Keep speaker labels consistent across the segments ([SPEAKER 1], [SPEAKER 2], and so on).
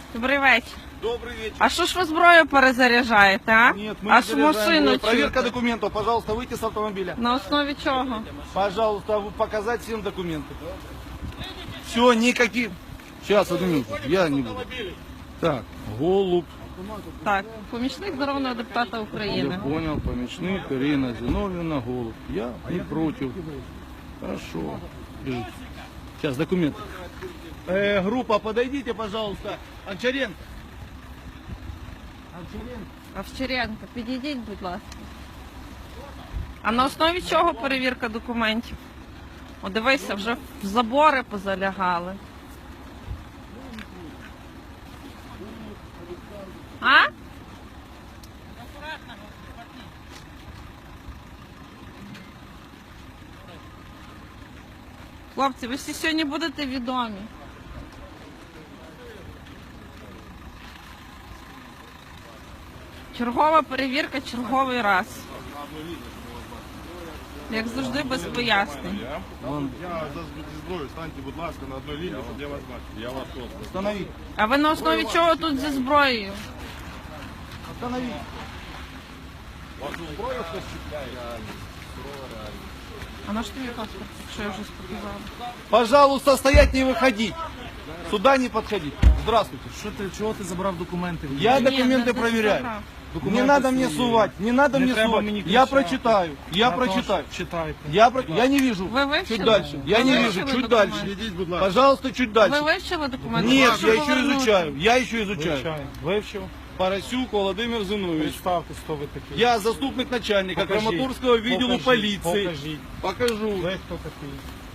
[SPEAKER 1] Добрий вечір.
[SPEAKER 2] Добрый вечер.
[SPEAKER 1] А що ж ви зброю перезаряджаєте, а?
[SPEAKER 2] Нет, мы
[SPEAKER 1] Аж
[SPEAKER 2] не заряжаем
[SPEAKER 1] машину
[SPEAKER 2] его. Проверка
[SPEAKER 1] чути.
[SPEAKER 2] документов. Пожалуйста, выйти с автомобиля.
[SPEAKER 1] На основі чого?
[SPEAKER 2] Пожалуйста, показать всем документы. Все, никаких. Сейчас, одну минуту. Я не буду. Так, голуб.
[SPEAKER 1] Так, помічник народного депутата
[SPEAKER 2] Я
[SPEAKER 1] України.
[SPEAKER 2] понял, помічник, Ирина Зиновьевна, голуб. Я не против. Хорошо. Бежите. Сейчас, документы. Группа, подойдите, пожалуйста. Анчаренко.
[SPEAKER 1] Овчаренко, підійдіть, будь ласка. А на основі чого перевірка документів? О, дивися, вже в забори позалягали. А? Хлопці, ви всі сьогодні будете відомі. Чергова перевірка, черговий раз. Як завжди, без пояснень.
[SPEAKER 3] Я за зброю, станьте, будь ласка, на одній лінії, щоб я вас бачив. Я вас просто.
[SPEAKER 2] Остановить.
[SPEAKER 1] А ви на основі чого тут зі зброєю?
[SPEAKER 2] Остановить.
[SPEAKER 3] Вашу зброю хтось чіпляє?
[SPEAKER 1] А на що тобі паспорт, якщо я вже споказала?
[SPEAKER 2] Пожалуйста, стоять, не выходить. Сюда не подходить. Здравствуйте.
[SPEAKER 4] Чого ти забрав документи?
[SPEAKER 2] Я
[SPEAKER 1] Ні,
[SPEAKER 2] документы
[SPEAKER 1] не
[SPEAKER 2] проверяю.
[SPEAKER 1] забрав.
[SPEAKER 2] Не надо мне сувать, не надо
[SPEAKER 4] Не
[SPEAKER 2] мне
[SPEAKER 4] треба
[SPEAKER 2] сувать.
[SPEAKER 4] мені
[SPEAKER 2] Я
[SPEAKER 4] кричати.
[SPEAKER 2] прочитаю, я прочитаю.
[SPEAKER 4] Читайте.
[SPEAKER 2] Я не вижу.
[SPEAKER 1] Ви вивчили?
[SPEAKER 2] Чуть дальше. Я
[SPEAKER 1] Ви
[SPEAKER 2] не
[SPEAKER 1] вивчили
[SPEAKER 2] вижу. Чуть
[SPEAKER 1] документи?
[SPEAKER 2] дальше.
[SPEAKER 3] Ідіть, будь ласка.
[SPEAKER 2] Пожалуйста, чуть
[SPEAKER 1] Ви
[SPEAKER 2] дальше.
[SPEAKER 1] вивчили документи?
[SPEAKER 2] Нет,
[SPEAKER 1] Прошу
[SPEAKER 2] я еще
[SPEAKER 1] повернути.
[SPEAKER 2] изучаю. Я еще изучаю.
[SPEAKER 4] Вивчаю. Вивчив.
[SPEAKER 2] Поросюк Володимир Зиновьевич.
[SPEAKER 4] Представте, хто ви такий.
[SPEAKER 2] Я заступник начальника
[SPEAKER 4] Покажіть.
[SPEAKER 2] Краматорского відділу
[SPEAKER 4] Покажіть.
[SPEAKER 2] полиции.
[SPEAKER 4] Покажіть.
[SPEAKER 2] Покажу.
[SPEAKER 4] Ви хто такий?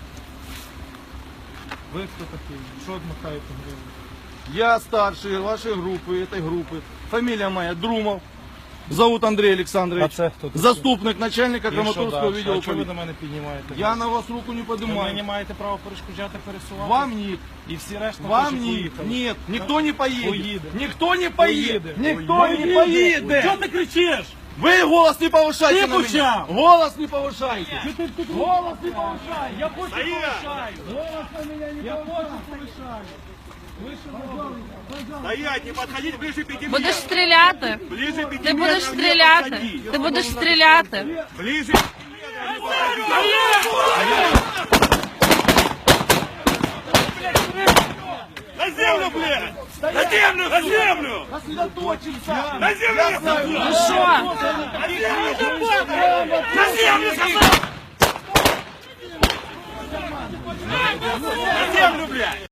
[SPEAKER 4] Ви хто такий? Що одмахаєте гривень?
[SPEAKER 2] Я старший вашей группы, этой группы. Фамилия моя Друмов. Зовут Андрей Александрович.
[SPEAKER 4] А це хто такий?
[SPEAKER 2] Заступник начальника
[SPEAKER 4] І що
[SPEAKER 2] Краматорского
[SPEAKER 4] далі?
[SPEAKER 2] відділу
[SPEAKER 4] А чого ви до
[SPEAKER 2] полиции.
[SPEAKER 4] мене піднімаєте?
[SPEAKER 2] Я на вас руку не
[SPEAKER 4] Ви мені
[SPEAKER 2] поднимаю.
[SPEAKER 4] маєте право перешкоджати, пересувати?
[SPEAKER 2] Вам нет.
[SPEAKER 4] І всі решта
[SPEAKER 2] Вам
[SPEAKER 4] теж
[SPEAKER 2] нет.
[SPEAKER 4] поїхали.
[SPEAKER 2] Нет. Никто не поедет.
[SPEAKER 4] Поїде.
[SPEAKER 2] Никто не поедет.
[SPEAKER 4] Поїде.
[SPEAKER 2] Никто не поедет.
[SPEAKER 4] Чого ти кричиш?
[SPEAKER 2] Вы голос не повышайте
[SPEAKER 4] Ты
[SPEAKER 2] на меня.
[SPEAKER 4] пуча.
[SPEAKER 2] Голос не повышайте. Голос не повышайте.
[SPEAKER 4] Я хочу повишаю. Голос на мене не повишаю.
[SPEAKER 3] Стоять, не подходить ближе 5
[SPEAKER 1] Будеш
[SPEAKER 3] метров.
[SPEAKER 1] стріляти?
[SPEAKER 3] Ближе 5
[SPEAKER 1] Ти
[SPEAKER 3] метров
[SPEAKER 1] будеш
[SPEAKER 3] не
[SPEAKER 1] стріляти?
[SPEAKER 3] подходи.
[SPEAKER 1] Ти будеш стріляти?
[SPEAKER 3] Ближе. На землю, блядь! На землю, на землю!
[SPEAKER 2] Сосредоточимся.
[SPEAKER 3] На землю!
[SPEAKER 1] Ну що?
[SPEAKER 3] На землю, сказал! На землю, блядь!